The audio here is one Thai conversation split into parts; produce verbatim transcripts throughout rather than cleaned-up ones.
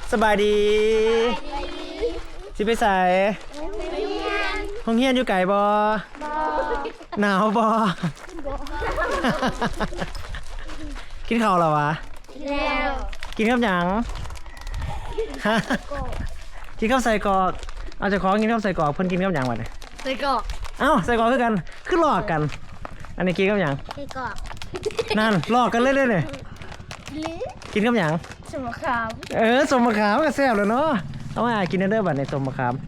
สบายดีสิไปใส่ห้องเฮียนอยู่ไก่บอหนาวบอกินข้าวแล้ววะแล้วกินข้าวหยังฮะกินข้าวใส่กรอกเอาจะขอกินข้าวใส่กรอกเพิ่นกินข้าวหยังวะเนี่ยไส้กรอกเอ้าใส่กรอกคือกันคือหลอกกัน อันนี้กินข้าวหยังไส้กรอกนั่นหลอกกันเรื่อยๆเลยกินข้าวหยังสมขามเออสมมะขามก็แซ่บเลยเนาะเอามากินเด้อบัดในสมมะขาม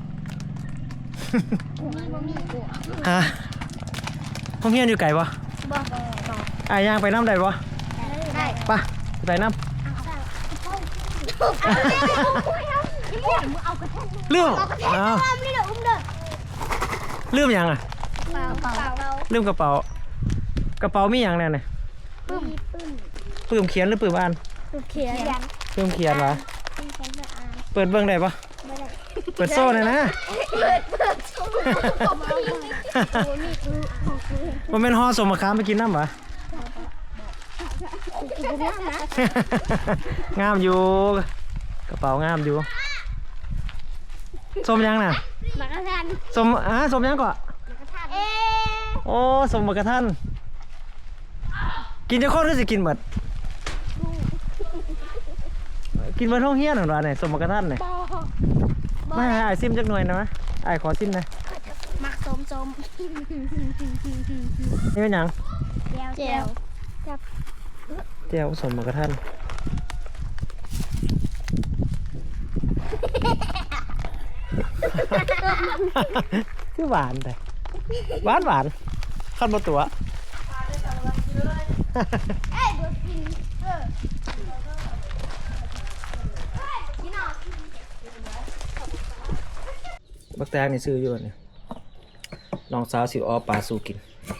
ฮะห้องเฮียนอยู่ไกลปะบอกอ่ะย่างไปน้ำได้ปะได้ปะไปน้ำเรื่องอ้าวเรื่องยังอ่ะเปล่าเปล่าเรื่องกระเป๋า กระเป๋ามีอย่างแน่เนี่ยปึ้มปึ้มปื้มเขียนหรือปื้มอ่านเขียนปื้มเขียนวะเปิดเบื้องได้ปะเปิดโซ่เลยนะเปิดเปิดชมมันเป็นห่อสมมะขามไปกินน้ำปะ งามอยู่กระเป๋างามอยู่สมยังน่ะมากระทันสมอ่ะสมยังก่อนเอ๊ะโอ้สมมะกระทันกินจะโคตรก็จะกินหมดกินบนห้องเฮี้ยนหรอเนี่ยสมมะกระทันเนี่ยไม่ไอ้ซิมจักหน่วยนะไอ้ขอซิมนะมักสมสมนี่เป็นยังเจียวจับเจียวสมมะกระทันคือหวานแต่หวานหวานขั้นบนตัวเอ้ยดูกินเออกินอ่ะบักแตงนี่ซื้ออยู่เนี่ยน้องสาวสิออปลาสู้กิน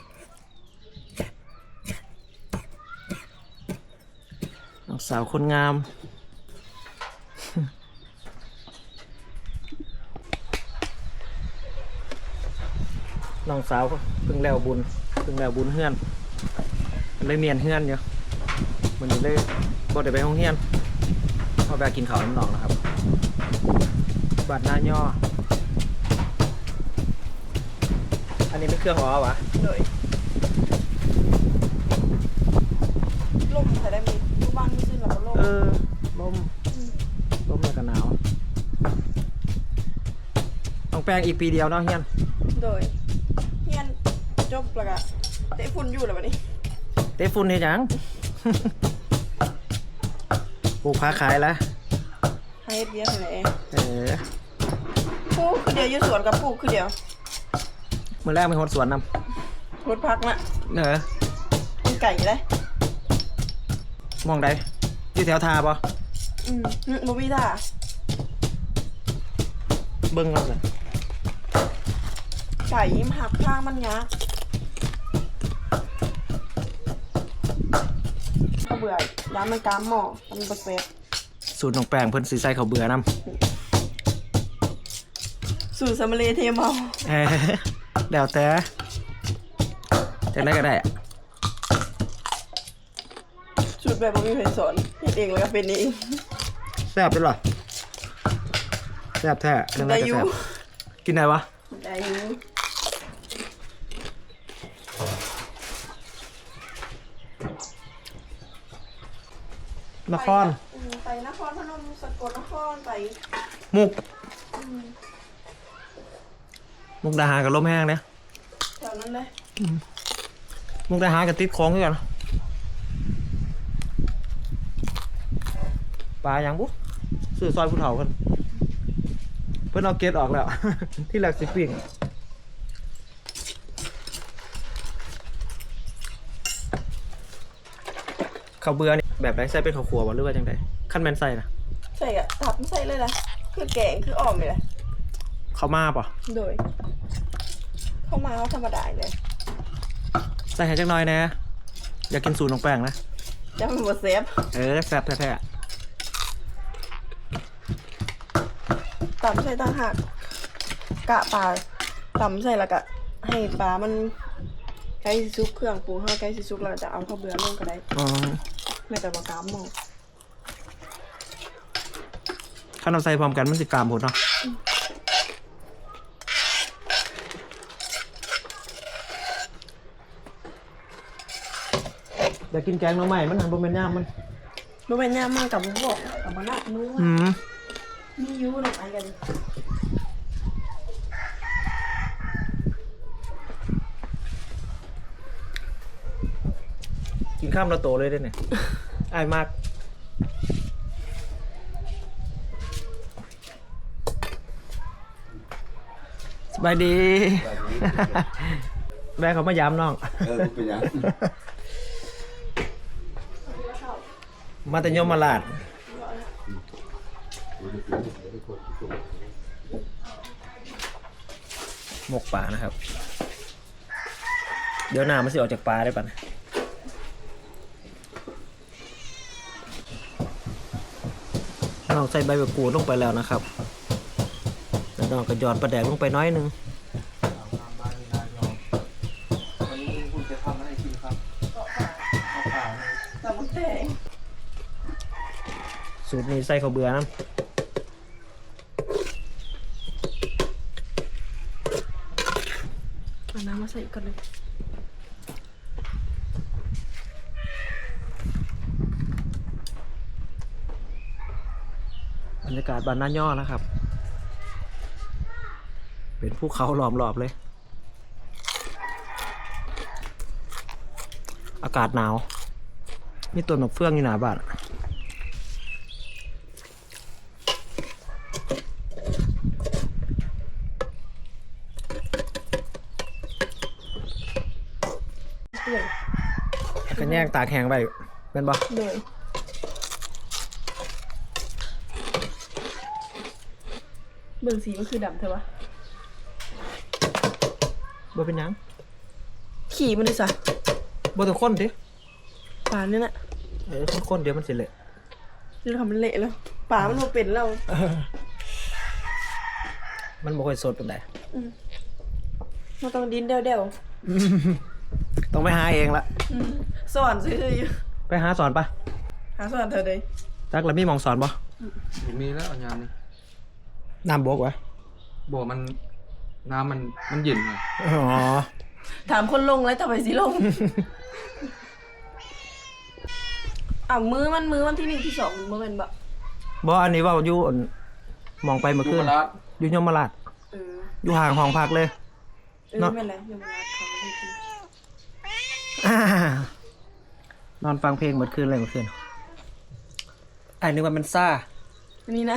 น้องสาวคนงาม น้องสาวเพิ่งแล้วบุญเพิ่งแล้วบุญเฮือนมันเลยเมียนเฮือนอยู่มันเลยบ่ได้ไปห้องเฮียนพอไปกินข้าวน้ำหนองนะครับบาดหน้าย่ออันนี้เป็นเครื่องอ๋อวะเลยลมแต่ได้มีทุกบ้านมีซื้อหลับลมเออลมลมแล้วก็หนาวต้องแปลงอีกปีเดียวเนาะเฮียนโดยเฮียนจบแล้วก็เตะฝุ่นอยู่แล้ววันนี้เตะฝุ่นเฮ็ดหยัง ปลูกผักขายแล้วให้เบียร์ไหนเองเออปลูกคือเดียวอยู่สวนกับปลูกคือเดียวมื้อแรกมีคนสวนนรถพักน่ะำเออมีไก่เลยมองใดอยู่แถวทาบ่อืมบ่มีท่าเบิ่งเอาสิไก่ยิ้มหักข้างมันยากก็เบื่อย้ำมันกามหม้อมันบะเซ็ตสูตรน้องแป้งเพิ่นสิใส่ข้าวเบื่อนำสูตรสมเลเทเมาเออแล้วแต่จังได๋ก็ได้อะสูตรแบบบ่มีใครสอนเฮ็ดเองแล้วก็เป็นเองแซ่บเด้อเหรอแซ่บแท้จังได๋ได้ก็อยู่แซ่บกินได้วะได้อยู่นครอืมไปนครพนมสกลนครไปมุกมุกดาหารกับลมแห้งเนี่ยแถวนั้นเลยมุกดาหารกับติดของคือกันปลาอย่างบุ๊ซื้อซอยผู้เฒ่าเพิ่นเพิ่นเอาเกล็ดออกแล้ว ที่แรกสิปิ้งข้าวเบื่อนี่แบบไหนใส่เป็นข้าวคั่วบ่หรือว่าจังไดขั้นแม่นใส่นะใส่อะทับใส่เลยนะคือแกงคืออ่อมเลยนะข้าวมาป่ะโดย เข้ามาเขาธรรมดาเลยใส่ให้จักหน่อยแหน่อยากกินสูตรน้องแป้งนะจะเป็นบทเซฟเออแซ่บแท้ตำใส่ต่างหากกะปลาตำใส่แล้วก็ให้ปลามันใกล้สิซุกเครื่องปรุงให้ใกล้สิซุกแล้วจะเอาข้าวเบื่อลงก็ได้ๆอ๋อไม่แต่ว่ากามหมองถ้าเราใส่พร้อมกันมันสิกรามหมดเนาะอยากกินแกงหน่อไม้มันหันบนเป็นย่ามมันรู้เป็นย่ามากกับพวกกับมันนักนู้อืมมียูหน่อยกันกินข้ามเราโตเลยได้เนี่ย อายมากสบายดี แม่เขามาย้ำน้องเออเป็นยังมาแต่ยมมาลาดหมกปลานะครับ เดี๋ยวหน้ามันสิออกจากปลาได้ปะน้องใส่ใบมะกรูดลงไปแล้วนะครับแล้วน้องก็หยอดปลาแดกลงไปน้อยหนึงวันนี้คุณจะทำอะไรกินครับข้าวเปล่าแต่มันแตงสูตรนี้ใส่ข้าวเบื่อนะเอาน้ำมาใส่อีกก่อนเลยบรรยากาศบ้านน้าย่อนะครับ เป็นภูเขาล้อมรอบเลย อากาศหนาว มีต้นมะเฟืองอยู่หน้าบ้านเปื่อยกันแยกตากแห้งไปเป็นบ่เลยเบิ่งสีมันคือดำเถอะวะบ่เป็นหยังขี่มันดิสะบ่ต้องคนดิป่าเนี่ยน่ะเออคนๆเดี๋ยวมันสิเละเรื่องทำมันเละแล้วป่ามันมาเป็นแล้วมันบ่ค่อยสดปานใดมันต้องดินเดี่ยวต้องไปหาเองละๆสอนซื้ออยู่ไปหาสอนปะหาสอนเธอเลยจักแล้วมีหมองสอนบ่ผมมีแล้วยามนี้น้ำบกวะบอกมันน้ำมันมันเย็นไงอ๋อถามคนลงแล้วทำไมสิลง อ่ะมือมันมือวันที่หนึ่งที่สองมือมันแบบบ่อันนี้เว่าอยู่อั่นมองไปเมื่อดูคืนมาละอยู่ยมราชเอออยู่ห่างห้องพักเลยเออเนาะไม่เป็นไรยังไม่รัดเขาไม่กินอ่านอนฟังเพลงเมื่อคืนเลยเมื่อคืนไอ้นึกว่ามันซ่าอันนี้นะ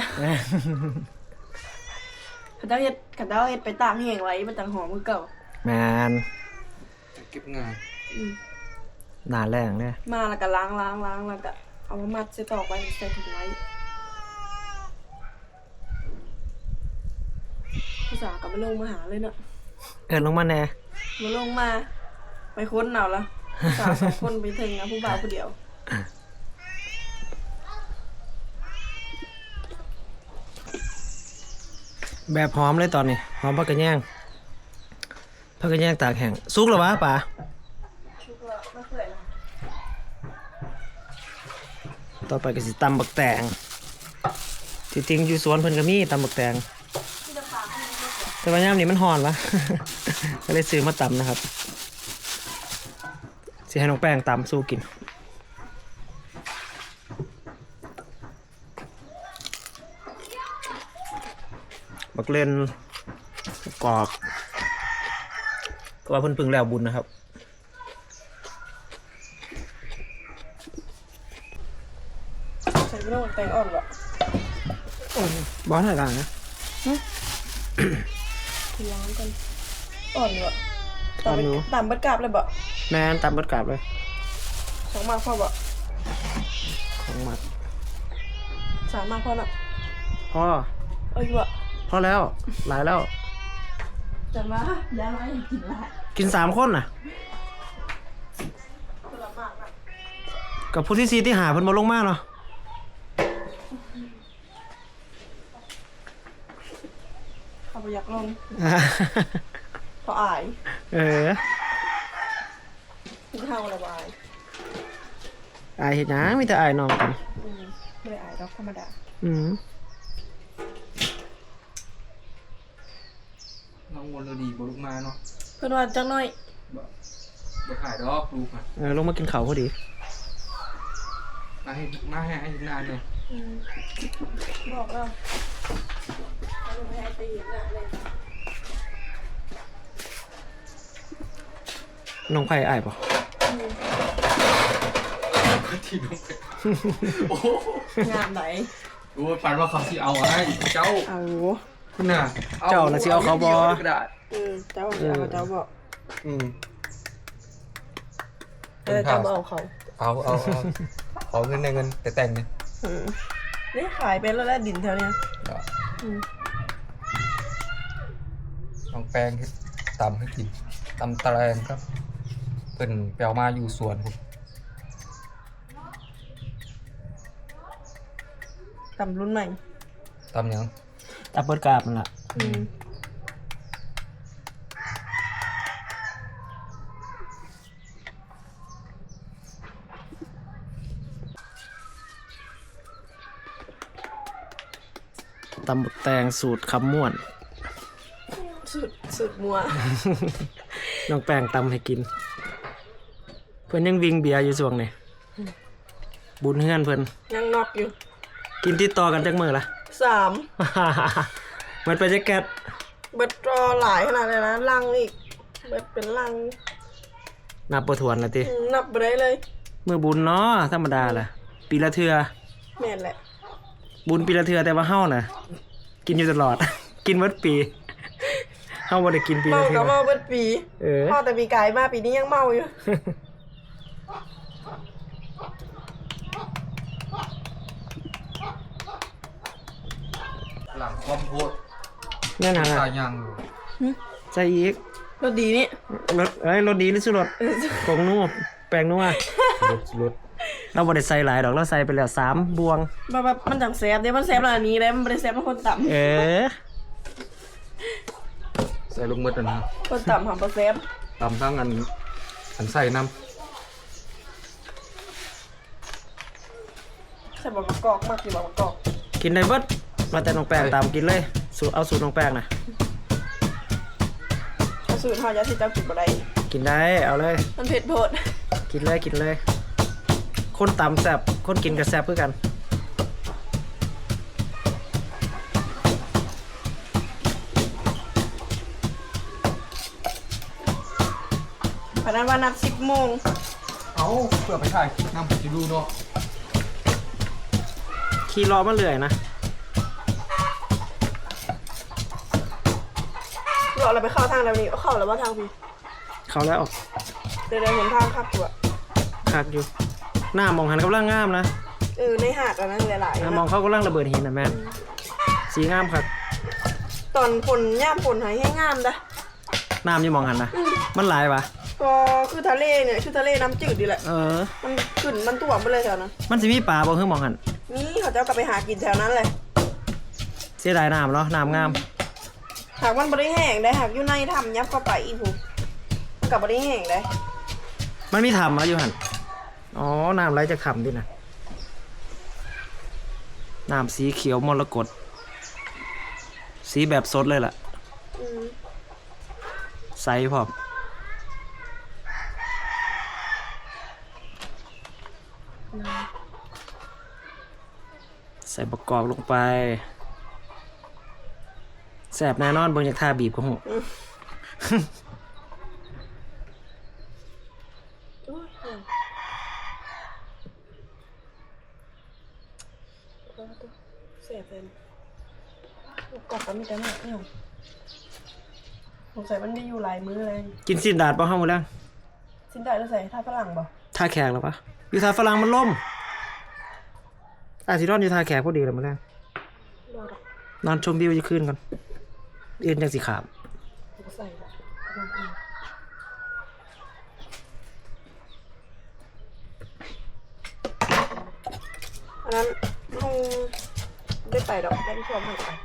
ขันเจ้าเฮ็ดขันเจ้าเฮ็ดไปตากแห้งไว้มันจังหอมมือเก่าแมนเก็บงานอืมหนาแรงเลยมาแล้วก็ล้างล้างล้างแล้วก็เอามามัดใส่ตอกไว้ใส่ถุงไว้ภาษากับมาลงมาหาเลยเนาะเอินลงมาแน่มาลงมาไปค้นเอาละสาวสองคนไปถึงนะผู้บ่าวผู้เดียวแบบหอมเลยตอนนี้หอมผักกระแยงผักกระแยงตากแห้งสุกแล้ววะป่าชุกละไม่เคยนะต่อไปก็สิตำบักแตงที่จริงอยู่สวนเพิ่นก็มีตำบักแตงแต่ว่ายามนี้มันหอนวะ ก็เลยซื้อมาตำนะครับสิให้น้องแป้งตำสู้กินบักเล่นกอกก็ว่าเพิ่นเพึ่งแล้วบุญนะครับใส่ไม่ต้องแตงอ่อนหรอกบอสหน่อยกันนะล้างกันอ่อนอยู่อะอ่อนอยู่ตามบัดกราบเลยบ่แม่นตำบัดกราบเลยสองมากพอบ่ของหมัดสามมากพอละพ่อเอ้ยบ่พอแล้วหลายแล้วจะมาย้ายมาอย่ากินละกินสามคนน่ะคนละมากนะกับผู้ที่ซีที่หาเพิ่นมาลงมาเนาะเขาไปอยากลงเพราะอายเออที่เท่าระบายอายเห็นยังมีแต่อายน้องกันอืมไม่ได้อายดอกธรรมดาอืมองมนต์ดีบ่ลูกมาเนาะเพิ่นว่าจักหน่อยบ่บ่ถ่ายดอกลูกอ่ะเออลงมากินข้าวพอดีมาให้มาให้ให้นานเลยอืมบอกแล้วเอาลงไปให้ตีหน้าเลยน้องไผ่อ้ายป่ะที่น้องไปโอ้โหงามไหนโอ้ยฝันว่าเขาสิเอาให้เจ้าเอาคุณน่ะเจ้าน่ะสิเอาเขาบ่กระดาษอืมเจ้าเอาเจ้าบอกอืมเออเจ้าบ่เอาเขาเอาเอาเอาขอเงินในเงินแต่แต่งเนี่ยอืมนี่ขายไปแล้วแหละดินแถวเนี้ยอืมน้องแป้งที่ตำให้กินตำตะแรงครับเพิ่นแปลมาอยู่สวนผมตำรุ่นใหม่ตำหยังตับเบิดกราบนั่นล่ะอืมตำบักแตงสูตรคำม่วนสุดสุดมัวน้องแป้งตำให้กิน เพิ่นยังวิ่งเบียร์อยู่ช่วงนี้บุญเฮือนเพิ่นยังนอกอยู่กินติดต่อกันจักมื้อละสามมันไปจะแก๊สเบิดรอหลายขนาดเลยนะลังอีกเบิดเป็นลังนับบ่ถ้วนละติอืมนับไปได้เลยมื้อบุญเนาะธรรมดาล่ะ ปีละเทื่อแม่นแหละบุญปีละเทื่อแต่ว่าเฮาน่ะ กินอยู่ตลอด กินหมดปี เฮาบ่ได้กินปีเมาละเทื่ก็อเมาเบิดปีเออพ่อแต่ปีกายมาปีนี้ยังเมาอยู่หลังคอมโพดนั่นน่ะตายังใส่อีกรสดีนี่รสเอ้ยรสดีหรือสุรสผงนัวแป้งนัวรถรถเราบ่ได้ใส่หลายดอกเราใส่ไปแล้วสามบวงแบบแบบมันจังแซ่บเดี๋ยวมันแซ่บแล้วอันนี้เลยมันบ่ได้แซ่บมันคนต่เออใส่ลูกมืดนะำคนต่ำหำบ่แซ่บตำทั้งอันอันใส่น้ใส่บะมะกอกมากอยู่บะมะกอกกินได้เบิดมาแต่น้องแป้งตามกินเลยสูตรเอาสูตรน้องแป้งนะเอาสูตรเฮาจะสิเจ้ากินบ่ได้กินได้เอาเลยมันเผ็ดโพดกินเลยกินเลย คนตำแซ่บคนกินก็แซ่บเพื่อกันพนันว่านัดสิบโมงำเอาเพื่อไปถ่ายคลิปน้ำผมจะดูเนาะขี่รอมาเรื่อยนะเราเราไปเข้าทางแล้วนี่เอาเข้าแล้วว่าทางพี่เขาแล้วเดี๋ยวเดี๋ยวเห็นทางขับตัวคักอยู่ หน้ามองหันกำลังงามนะเออในหาดอันนั้นหลายๆหน้านะมองเขากำลังระเบิดหินนะแม่นสีงามครับตอนฝนย่ามฝนหายให้งามนะน้ำอยี่มองหันนะมันหลายวะก็คือทะเลเนี่ยคือทะเลน้ำจืดดีแหละเออมันขึ้นมันท่วมไปเลยแถวนั้นมันสิมีปลาบ่เพิ่งมองหันนี่เขาจะเอากลับไปหากินแถวนั้นเลยเสียดายน้ำเนาะน้ำงามหากมันบริแห้งได้หากอยู่ในถ้ำยับเข้าไปอีกผูมันกับบริแห้งได้มันมีถ้ำแล้วอยู่หันอ๋อ น้ำไหลจากถ้ำดินะน้ำสีเขียวมรกตสีแบบสดเลยล่ะอืมใสพร้อมใส่ประกอบลงไปแสบแน่นอนเบิ่งจากท่าบีบก็หูโอ้ยเสียเป็นกรอบก็มีแต่หนักเนี่ยสงสัยมันได้อยู่หลายมื้อเลยกินสินดาดป่ะห้ามือแล้วสินได้แล้วใส่ท่าฝรั่งบ่ท่าแขกแล้วปะอยู่ท่าฝรั่งมันล่มอาทิรอนอยู่ท่าแขกพอดีเลยมือแล้วรอดอกนอนชมวิวจะขึ้นกันเอ็นจังสีขามก็ใส่ละกำลังกินอันนั้นคงได้ไปดอกได้ชมให้ไป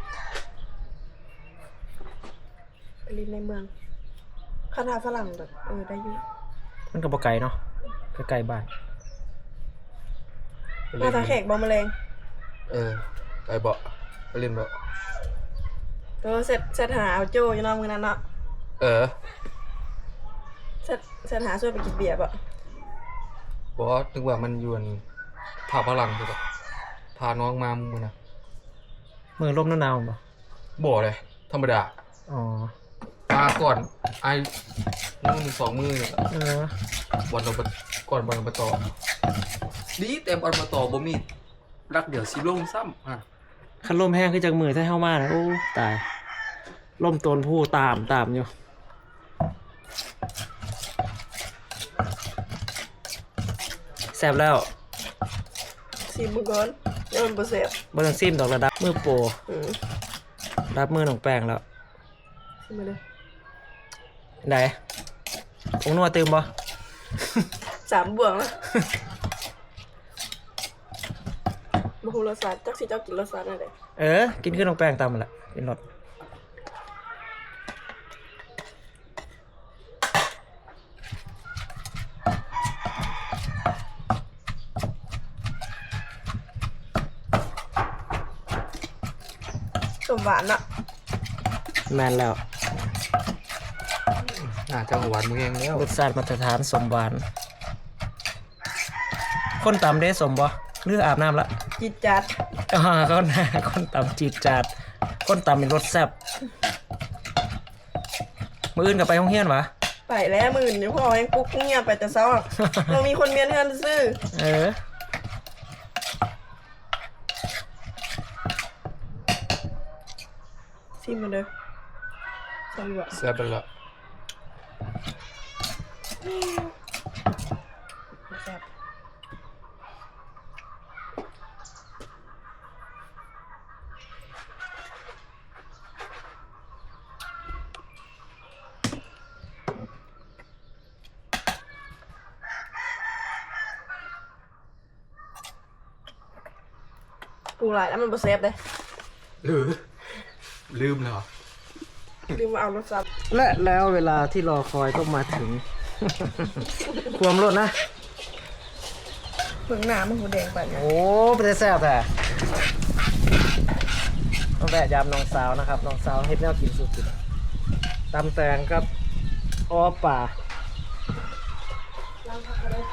ไปริมในเมืองคาถาฝรั่งแบบเออได้อยู่มันกับปไก่เนาะไก่บ้านหน้าตาแขกบอมแมลงเออไปเบาะไปเล่นเบาะเออเสร็จเสร็จหาเอาโจอยู่เนอกมือนั้นเนาะเออเสร็จเสร็จหาช่วยไปกินเบียร์ป่ะบอกว่านึกว่ามันอยวนผ่าพลังคือแบบพาน้องมามือนะมือลมหนาวๆบ่บ่เลยธรรมดาอ๋อมาก่อนไอ้มือสองมือเนี่ยเออบอลเราไปก่อนบอลเราไปต่อดีแต่บอลมาต่อบ่มีรักเดี๋ยวสิลงซ้ำอ่ะคันลมแห้งคือจังมือถ้าเฮามานะโอ้ตายลมต้นผู้ตามตามอยู่แซ่บแล้วซีบุกอนเดี๋ยวมันบ่เสพบ่ต้องซิมดอกระดับมือโปรอืมรับมือน้องแป้งแล้วซิมาเลยไหนองนัวตื่มบ่สามบวงแล้วบ่ฮู้รสชาติจักสิเจ้ากินรสชาติอะไรเออ กินขึ้นน้องแป้งตามมันแหละกินรสสมหวานอะแมนแล้วน่าจะหวานมือเองแล้วรสชาติมาตรฐานสมหวาน คนตำได้สมบ่หรืออาบน้ำละจิตจัดอ่าคนคนตำจีดจัดคนตำเป็นรสแซ่บมื้ออื่นก็ไปโรงเรียนวะไปแล้วมื่นเดี๋ยวพ่อยังปุ๊กเงียบไปแต่เช้าอะเรามีคนเมียนเฮือนซื้อเออซิมาเลยสามบวงแซ่บไปละแซ่บปรุงหลายแล้วมันบ่เซฟเลยหรือลืมแล้วเหรอลืมมาเอารสชาติและแล้วเวลาที่รอคอยก็มาถึง ความรสนะเพิ่งหน้ามันหูแดงไปเนี่ยโอ้เป็นแต่แซ่บแต่ต้องแวะยามน้องสาวนะครับน้องสาวเฮ็ดแนวกินสุดๆตำแตงครับอ้อป่าล้างผักก็ได้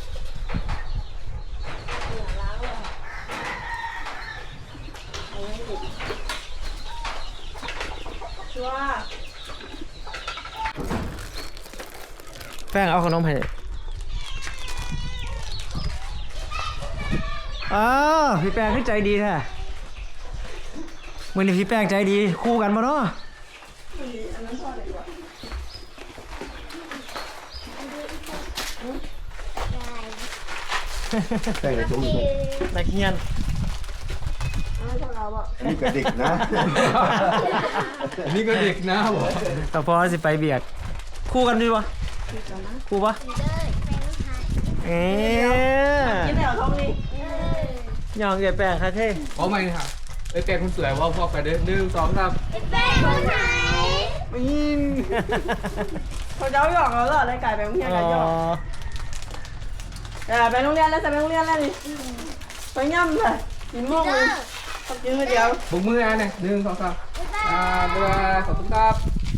ล้างเลยเอาไว้ให้ดิชัวร์แป้งเอาขนมให้อ้าวพี่แป้งขึ้นใจดีแท้มื้อนี้พี่แป้งใจดีคู่กันบ่เนาะอันนั้นทอดเลยดีกว่าแต่งในถุงนักเรียนอันนั้นทอดเราอ่ะอันนี้ก็เด็กนะอันนี้ก็เด็กนะบอกต่อพอสิไปเบียกคู่กันดีวะคู่ปะเอ๊ะกินแถวท้องนี่ยองใหญ่แป้งค่ะเท่เพราะไม่ค่ะไอ้แกคนสวยว่าพอไปเด้อหนึ่งสองสามแป้งคนไหนมินเขาเจ้าหยอกเราเหรอได้ไก่ไปโรงเรียนกันหยอกแต่ไปโรงเรียนแล้วจะไปโรงเรียนแล้วนี่ไปย่ำเลยกินม่วงเลยต้องกินคนเดียวบุกมืออ่ะเนี่ยหนึ่งสองสามอ่าบ๊ายบายขอบคุณครับ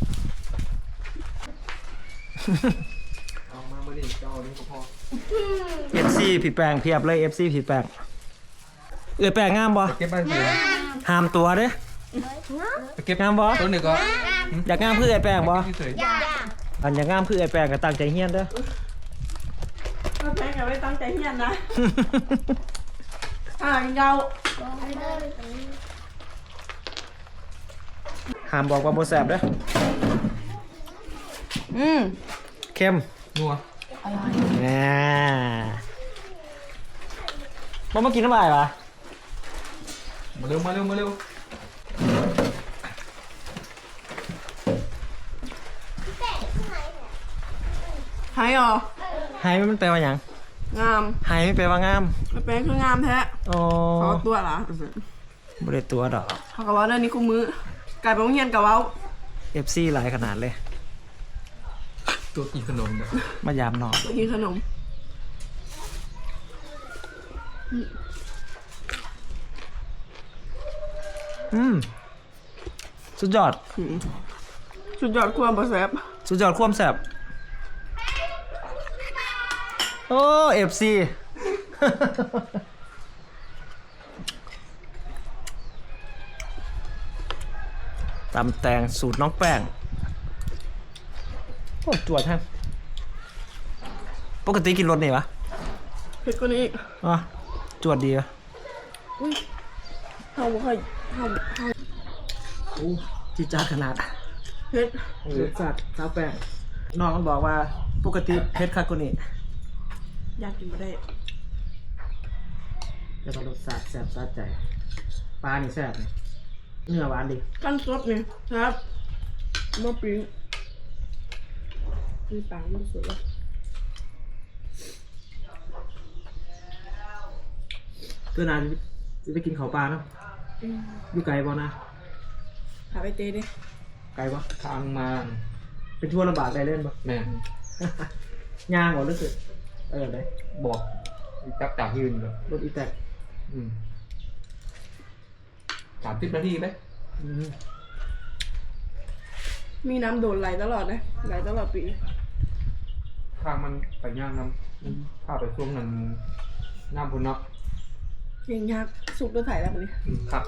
เอามาเมื่อนี้เจ้านี่ก็พอเอฟซีผิดแปลงเพียบเลยเอฟซีผิดแปลงเอ้ยแปลงงามบ่เก็บบ้านเสือห้ามตัวเด้ไปเก็บงามบ่ต้นหนึ่งก็อยากงามเพื่อไอ้แปลงบ่ที่เสยอันอยากงามเพื่อไอ้แปลงก็ตั้งใจเฮียนเด้อก็แพ้กันไม่ตั้งใจเฮียนนะอ่ากินเกาห้ามบอกว่าบ่แซ่บเด้ออืมเค็มนัวน่าบ่มากินน้ำลายปะมาเร็วมาเร็วมาเร็วหายอ๋อหายมันแปลว่าหยังงามหายไม่แปลว่างามมันเป็นคืองามแท้อ๋อเขาตัวเหรอบ่ได้ตัวดอกเขากะว่าเรื่องนี้กูมือไก่ไปโรงเรียนกับเว้าเอฟซีหลายขนาดเลยตัวกินขนมเนี่ยมายามน้องไปกินขนมอืมสุดยอดอืมสุดยอดความบ่แซ่บสุดยอดความแซ่บโอ้เอฟซี ตำแตงสูตรน้องแป้งโอ้จวดแท้ปกติกินรสนี่ปะเผ็ดกว่านี้อีกอ๋อจวดดีปะอุ้ยเฮาบ่ค่อยเฮาเฮาโอ้จีดจ้าดขนาดเผ็ดรสชาติสาวแป้งน้องมันบอกว่าปกติเผ็ดคักกว่านี้อยากกินบ่ได้แล้วก็รสชาติแซ่บสะใจปลานี่แซ่บนี่เนื้อหวานดีขั้นสดนี่ครับมาปิ้งมีปลาไม่สวยเลยเพื่อนานจะไปกินข้าวปลาเนาะอืมอยู่ไกลบ่นะหาไปเตะดิไกลบ่ทางมาเป็นทั่วลำบากได้เล่นบ่แม่ย่างบ่รู้สึกเออได้บอกจักจากยืนเลยรถอีแตกอืมสามสิบนาทีไหมอืมมีน้ำโดนไหลตลอดนะไหลตลอดปีทางมันไปย่างน้ำพาไปช่วงนั้นน้ำพุนเนาะเก่งยักษ์สุกตัวไถแล้วมันนี่อืมคักนะ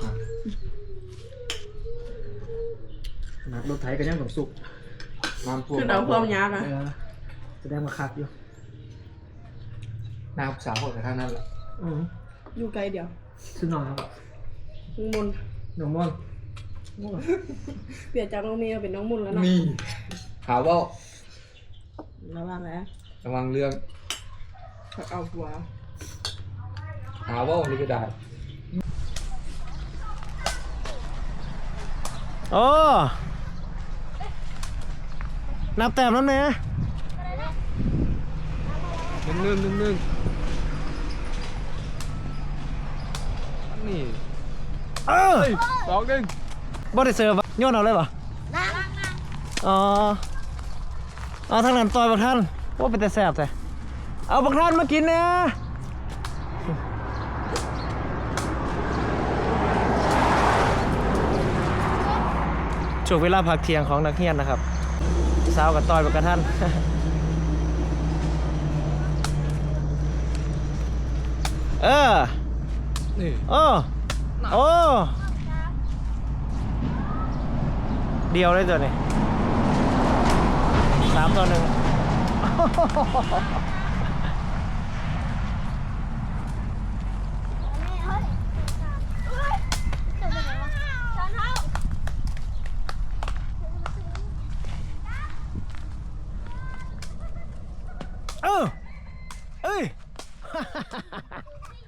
ขนาดรถไถก็ยังต้องสุกน้ำท่วมคือเอาความยักษ์อะเออแสดงว่าคักอยู่น้ำสาวคนกับทางนั้นแหละอืออยู่ไกลเดียวซึ่งน้องครับน้องมนต์น้องม่อนม่อนเปลี่ยนจากน้องเมย์มาเป็นน้องมนต์แล้วนะนี่หาว่าระวังนะระวังเรื่องเขาเอาหัวหาว่านี่ก็ได้โอ้นับแต้มแล้วไหมนึ่งนึ่งนึ่งนึ่งนี่เออสองหนึ่งบ่ได้เสิร์ฟวะโยนเอาเลยเหรอนั่งอ๋อเอาทางนั้นต่อยบักท่านว่าเป็นแต่แซ่บแต่เอาบักท่านมากินเนี่ยช่วงเวลาพักเที่ยงของนักเรียนนะครับสาวกับต่อยบักกระท่าน เออนี่โอ้โอ้เดียวเลยตัวนี้สามตัวหนึ่งเฮ้ยเฮ้ยเดี๋ยวไปไหนวะช้อนเท้าเออเอ้ย